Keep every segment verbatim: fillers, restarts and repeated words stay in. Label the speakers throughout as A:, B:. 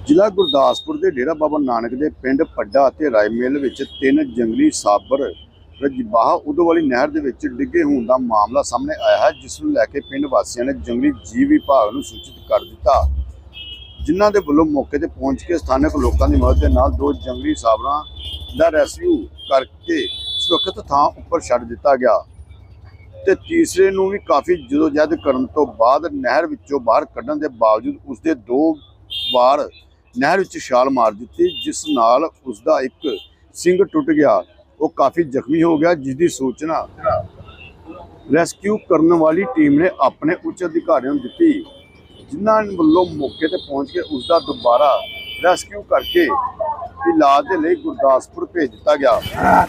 A: ਜ਼ਿਲ੍ਹਾ ਗੁਰਦਾਸਪੁਰ ਦੇ ਡੇਰਾ ਬਾਬਾ ਨਾਨਕ ਦੇ ਪਿੰਡ ਪੱਡਾ ਅਤੇ ਰਾਏਮਿਲ ਵਿੱਚ ਤਿੰਨ ਜੰਗਲੀ ਸਾਬਰ ਰਜਬਾਹ ਉਦੋਵਾਲੀ ਨਹਿਰ ਦੇ ਵਿੱਚ ਡਿੱਗੇ ਹੋਣ ਦਾ ਮਾਮਲਾ ਸਾਹਮਣੇ ਆਇਆ ਹੈ, ਜਿਸ ਨੂੰ ਲੈ ਕੇ ਪਿੰਡ ਵਾਸੀਆਂ ਨੇ ਜੰਗਲੀ ਜੀਵ ਵਿਭਾਗ ਨੂੰ ਸੂਚਿਤ ਕਰ ਦਿੱਤਾ, ਜਿਨ੍ਹਾਂ ਦੇ ਵੱਲੋਂ ਮੌਕੇ ਤੇ ਪਹੁੰਚ ਕੇ ਸਥਾਨਕ ਲੋਕਾਂ ਦੀ ਮਦਦ ਦੇ ਨਾਲ ਦੋ ਜੰਗਲੀ ਸਾਬਰਾਂ ਦਾ ਰੈਸਕਿਊ ਕਰਕੇ ਸੁਰੱਖਿਅਤ ਥਾਂ ਉੱਪਰ ਛੱਡ ਦਿੱਤਾ ਗਿਆ ਤੇ ਤੀਸਰੇ ਨੂੰ ਵੀ ਕਾਫੀ ਜਦੋਜਹਿਦ ਕਰਨ ਤੋਂ ਬਾਅਦ ਨਹਿਰ ਵਿੱਚੋਂ ਬਾਹਰ ਕੱਢਣ ਦੇ ਬਾਵਜੂਦ ਉਸਦੇ ਦੋ ਵਾਰ ਨਹਿਰ ਵਿੱਚ ਛਾਲ ਮਾਰ ਦਿੱਤੀ, ਜਿਸ ਨਾਲ ਉਸਦਾ ਇੱਕ ਸਿੰਗ ਟੁੱਟ ਗਿਆ। ਉਹ ਕਾਫੀ ਜ਼ਖਮੀ ਹੋ ਗਿਆ, ਜਿਸ ਦੀ ਸੂਚਨਾ ਰੈਸਕਿਊ ਕਰਨ ਵਾਲੀ ਟੀਮ ਨੇ ਆਪਣੇ ਉੱਚ ਅਧਿਕਾਰੀਆਂ ਨੂੰ ਦਿੱਤੀ, ਜਿਨ੍ਹਾਂ ਵੱਲੋਂ ਮੌਕੇ ਤੇ ਪਹੁੰਚ ਕੇ ਉਸਦਾ ਦੁਬਾਰਾ ਰੈਸਕਿਊ ਕਰਕੇ ਇਲਾਜ ਦੇ ਲਈ ਗੁਰਦਾਸਪੁਰ ਭੇਜ ਦਿੱਤਾ ਗਿਆ।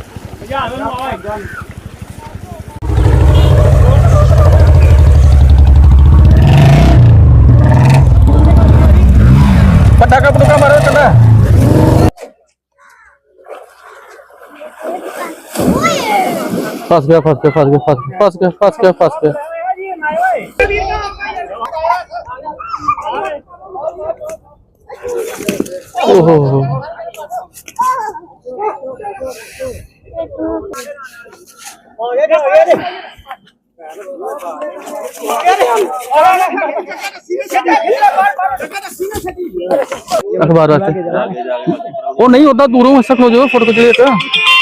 B: पटाखा पटाखा मारो चला फंस गया फंस गया फंस गया फंस गया फंस गया फंस गया ओहो अखबार वास्ते वो नहीं होता, दूरों में शक हो जाओ फोटो खिंच लेते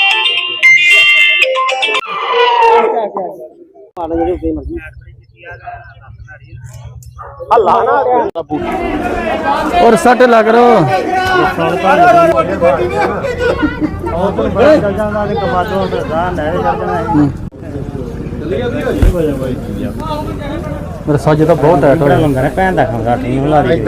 B: और सट लग रहा मेरा सज तो बहुत टाइट हो लंगर है भैन दा खांदा टीम ला दी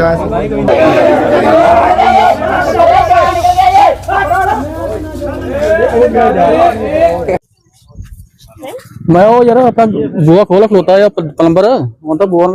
B: मैं वो यार अपना बुआ खोला खलोता है प्लंबर ਹੁਣ ਤਾਂ ਬੋਰ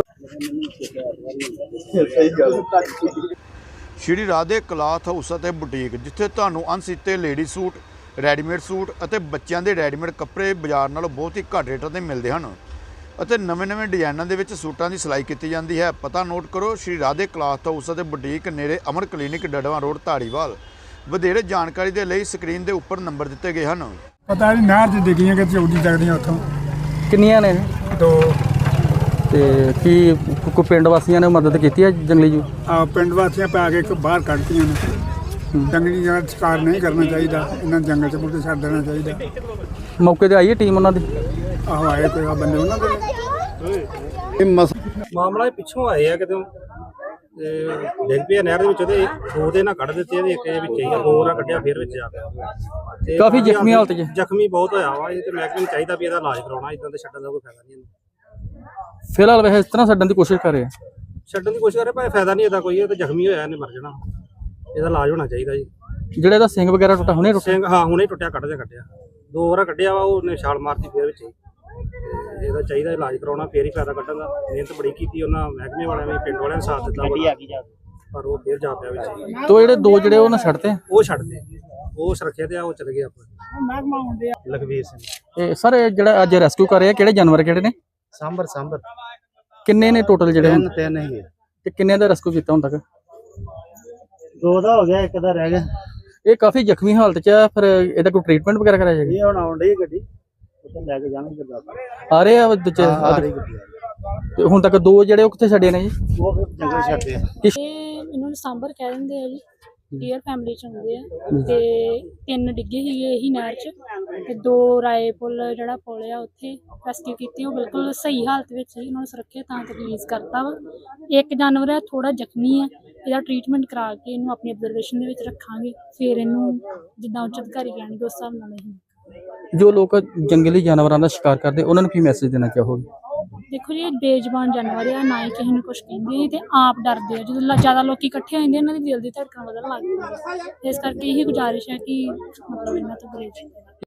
A: ਸ਼੍ਰੀ ਰਾਧੇ ਕਲਾਥ ਹਾਊਸ ਅਤੇ ਬੁਟੀਕ, ਜਿੱਥੇ ਤੁਹਾਨੂੰ ਅਣਸੀਤੇ ਲੇਡੀ ਸੂਟ, ਰੈਡੀਮੇਡ ਸੂਟ ਅਤੇ ਬੱਚਿਆਂ ਦੇ ਰੈਡੀਮੇਡ ਕੱਪੜੇ ਬਾਜ਼ਾਰ ਨਾਲੋਂ ਬਹੁਤ ਹੀ ਘੱਟ ਰੇਟਾਂ ਤੇ ਮਿਲਦੇ ਹਨ ਅਤੇ ਨਵੇਂ-ਨਵੇਂ ਡਿਜ਼ਾਈਨਾਂ ਦੇ ਵਿੱਚ ਸੂਟਾਂ ਦੀ ਸਿਲਾਈ ਕੀਤੀ ਜਾਂਦੀ ਹੈ। ਪਤਾ ਨੋਟ ਕਰੋ, ਸ਼੍ਰੀ ਰਾਧੇ ਕਲਾਥ ਹਾਊਸ ਅਤੇ ਬੁਟੀਕ ਨੇੜੇ ਅਮਰ ਕਲੀਨਿਕ ਡੜਵਾ ਰੋਡ ਧਾਰੀਵਾਲ। ਵਧੇਰੇ ਜਾਣਕਾਰੀ ਦੇ ਲਈ ਸਕਰੀਨ ਦੇ ਉੱਪਰ ਨੰਬਰ ਦਿੱਤੇ ਗਏ ਹਨ।
C: ਪਤਾ ਨਹੀਂ ਨਹਿਰ 'ਚ ਡਿੱਗੀਆਂ ਕਿ ਚੌਡੀ ਤੱਕਦੀਆਂ ਉੱਥੋਂ
B: ਕਿੰਨੀਆਂ ਨੇ
C: ਦੋ
B: ਤੇ ਕੀ ਕੋਈ ਪਿੰਡ ਵਾਸੀਆਂ ਨੇ ਮਦਦ ਕੀਤੀ ਹੈ ਜੰਗਲੀ ਜੂ
C: ਆ ਪਿੰਡ ਵਾਸੀਆਂ ਪਾ ਕੇ ਇੱਕ ਬਾਹਰ ਕੱਢਤੀਆਂ ਨੇ। ਜੰਗਲੀ ਦਾ ਸ਼ਿਕਾਰ ਨਹੀਂ ਕਰਨਾ ਚਾਹੀਦਾ, ਇਹਨਾਂ ਨੂੰ ਜੰਗਲ 'ਚ ਮੁੜ ਕੇ ਛੱਡ ਦੇਣਾ ਚਾਹੀਦਾ।
B: ਮੌਕੇ ਤੇ ਆਈ ਹੈ ਟੀਮ ਉਹਨਾਂ ਦੀ?
C: ਆਹੋ ਆਏ ਕੋਈ ਆ ਬੰਦੇ ਉਹਨਾਂ ਦੇ
B: ਇਹ
D: ਮਾਮਲਾ ਪਿੱਛੋਂ ਆਏ ਆ ਕਿਤੇ ਤੇ ਡਿੱਗ ਪਿਆ ਨਹਿਰ ਦੇ ਵਿੱਚ, ਤੇ ਦੋ ਦੇ ਨਾਲ ਕੱਢ ਦਿੱਤੇ, ਇਹਦੇ ਇੱਕ ਵਿੱਚ ਹੀ ਦੋ ਰਾਂ ਕੱਢਿਆ, ਫਿਰ ਵਿੱਚ ਆ ਗਿਆ ਤੇ
B: ਕਾਫੀ ਜ਼ਖਮੀ ਹਾਲਤ 'ਚ
D: ਜ਼ਖਮੀ ਬਹੁਤ ਹੋਇਆ ਵਾ। ਇਹ ਤੇ ਮਹਿਕਮੇ ਨੂੰ ਚਾਹੀਦਾ ਵੀ ਇਹਦਾ ਇਲਾਜ ਕਰਾਉਣਾ, ਇਦਾਂ ਤੇ ਛੱਡਣ ਦਾ ਕੋਈ ਫਾਇਦਾ ਨਹੀਂ।
B: ਫਿਲਹਾਲ ਵੈਸੇ ਇਸ ਤਰ੍ਹਾਂ ਛੱਡਣ ਦੀ ਕੋਸ਼ਿਸ਼ ਕਰ ਰਹੇ ਆ,
D: ਛੱਡਣ ਦੀ ਕੋਸ਼ਿਸ਼ ਕਰੇ ਪਰ ਫਾਇਦਾ ਨਹੀਂ ਇਹਦਾ ਕੋਈ। ਇਹ ਤਾਂ ਜ਼ਖਮੀ ਹੋਇਆ, ਇਹਨੇ ਮਰ ਜਾਣਾ, ਇਹਦਾ ਇਲਾਜ ਹੋਣਾ ਚਾਹੀਦਾ ਜੀ।
B: ਜਿਹੜੇ ਇਹਦਾ ਸਿੰਘ ਵਗੈਰਾ ਟੁੱਟਾ ਹੁਣੇ ਟੁੱਟਿਆ?
D: ਸਿੰਘ ਹਾਂ ਹੁਣੇ ਟੁੱਟਿਆ, ਕੱਢ ਦੇ ਕੱਢਿਆ, ਦੋ ਵਾਰ ਕੱਢਿਆ ਵਾ, ਉਹਨੇ ਛਾਲ ਮਾਰਤੀ ਫਿਰ ਵਿੱਚ ਹੀ। ਇਹਦਾ ਚਾਹੀਦਾ ਇਲਾਜ ਕਰਾਉਣਾ, ਫੇਰ ਹੀ ਫਾਇਦਾ ਕੱਢਣ ਦਾ। ਮਿਹਨਤ ਬੜੀ ਕੀਤੀ ਉਹਨਾਂ ਮਹਿਕਮੇ ਵਾਲਿਆਂ ਨੇ, ਪਿੰਡ ਵਾਲਿਆਂ ਨੇ ਸਾਥ ਦਿੱਤਾ, ਪਰ ਉਹ ਫੇਰ ਜਾ ਪਿਆ ਵਿੱਚ।
B: ਤੋ ਜਿਹੜੇ ਦੋ ਜਿਹੜੇ ਉਹਨਾਂ ਛੱਡਤੇ,
D: ਉਹ ਛੱਡਦੇ, ਉਹ ਸੁਰੱਖਿਆ ਤੇ ਆ, ਉਹ ਚਲੇ ਗਏ ਆਪਾਂ। ਲਖਵੀਰ ਸਿੰਘ।
B: ਇਹ ਸਰ ਜਿਹੜਾ ਅੱਜ ਰੈਸਕਿਊ ਕਰ ਰਹੇ ਆ, ਕਿਹੜੇ ਜਾਨਵਰ ਕਿਹੜੇ ਨੇ?
D: ਸਾਂਬਰ ਸਾਂਬਰ
B: ਕਿੰਨੇ ਨੇ ਟੋਟਲ ਜਿਹੜੇ?
D: ਤਿੰਨ ਤਿੰਨ ਹੀ
B: ਤੇ ਕਿੰਨੇ ਦਾ ਰੈਸਕਿਊ ਕੀਤਾ ਹੁਣ ਤੱਕ?
D: ਦੋ ਦਾ ਹੋ ਗਿਆ, ਇੱਕ ਦਾ ਰਹਿ ਗਿਆ।
B: ਇਹ ਕਾਫੀ ਜ਼ਖਮੀ ਹਾਲਤ 'ਚ ਆ, ਫਿਰ ਇਹਦਾ ਕੋਈ ਟ੍ਰੀਟਮੈਂਟ ਵਗੈਰਾ ਕਰਾਇਆ ਜਾਏਗਾ?
D: ਇਹ ਹੁਣ ਆਉਣ ਡਈ ਗੱਡੀ, ਉੱਥੇ ਲੈ ਕੇ ਜਾਣਗੇ ਗੁਰਦਾਸਪੁਰ।
B: ਆ ਰਹੇ ਆ ਦੂਜੇ ਤੇ ਹੁਣ ਤੱਕ ਦੋ ਜਿਹੜੇ ਉਹ ਕਿੱਥੇ ਛੱਡੇ ਨੇ ਜੀ?
D: ਉਹ ਫਿਰ ਜੰਗਲ ਛੱਡਦੇ ਆ।
E: ਇਹਨਾਂ ਨੂੰ ਸਾਂਬਰ ਕਹਿ ਦਿੰਦੇ ਆ ਜੀ, ਡੀਅਰ ਫੈਮਿਲੀ ਚ ਹੁੰਦੇ ਆ। ਤੇ ਤਿੰਨ ਡਿੱਗੇ ਸੀਗੇ ਇਹੀ ਨਹਿਰ ਚ, ਤੇ ਦੋ ਰਾਏ ਪੁੱਲ ਜਿਹੜਾ ਪੁੱਲ ਆ ਉੱਥੇ ਰੈਸਕਿਊ ਕੀਤੀ। ਉਹ ਬਿਲਕੁਲ ਸਹੀ ਹਾਲਤ ਵਿੱਚ ਸੀ, ਉਹਨਾਂ ਨੂੰ ਸੁਰੱਖਿਅਤ ਥਾਂ ਤੇ ਰਿਲੀਜ਼ ਕਰਤਾ ਵਾ। ਇੱਕ ਜਾਨਵਰ ਹੈ ਥੋੜਾ ਜ਼ਖਮੀ ਹੈ, ਇਹਦਾ ਟ੍ਰੀਟਮੈਂਟ ਕਰਾ ਕੇ ਇਹਨੂੰ ਆਪਣੀ ਅਬਜ਼ਰਵੇਸ਼ਨ ਦੇ ਵਿੱਚ ਰੱਖਾਂਗੇ, ਫਿਰ ਇਹਨੂੰ ਜਿੱਦਾਂ ਉੱਚ ਅਧਿਕਾਰੀ ਕਹਿਣਗੇ ਉਸ ਹਿਸਾਬ ਨਾਲ। ਅਸੀਂ
B: ਜੋ ਲੋਕ ਜੰਗਲੀ ਜਾਨਵਰਾਂ ਦਾ ਸ਼ਿਕਾਰ ਕਰਦੇ, ਉਹਨਾਂ ਨੂੰ ਕੀ ਮੈਸੇਜ ਦੇਣਾ ਚਾਹੋਗੇ?
E: ਦੇਖੋ ਜੀ, ਇਹ ਬੇਜ਼ੁਬਾਨ ਜਾਨਵਰ ਆ, ਨਾ ਹੀ ਕਿਸੇ ਨੂੰ ਕੁਛ ਕਹਿੰਦੇ ਤੇ ਆਪ ਡਰਦੇ ਆ। ਜਦੋਂ ਜ਼ਿਆਦਾ ਲੋਕੀ ਇਕੱਠੇ ਹੋ ਜਾਂਦੇ, ਇਹਨਾਂ ਦੀ ਦਿਲ ਦੀ ਧੜਕਣ ਵਧਣ ਲੱਗ ਜਾਂਦੀ ਹੈ। ਇਸ ਕਰਕੇ ਇਹੀ ਗੁਜ਼ਾਰਿਸ਼ ਹੈ ਕਿ ਮਤਲਬ ਇਹਨਾਂ ਤੋਂ ਗੁਰੇਜ਼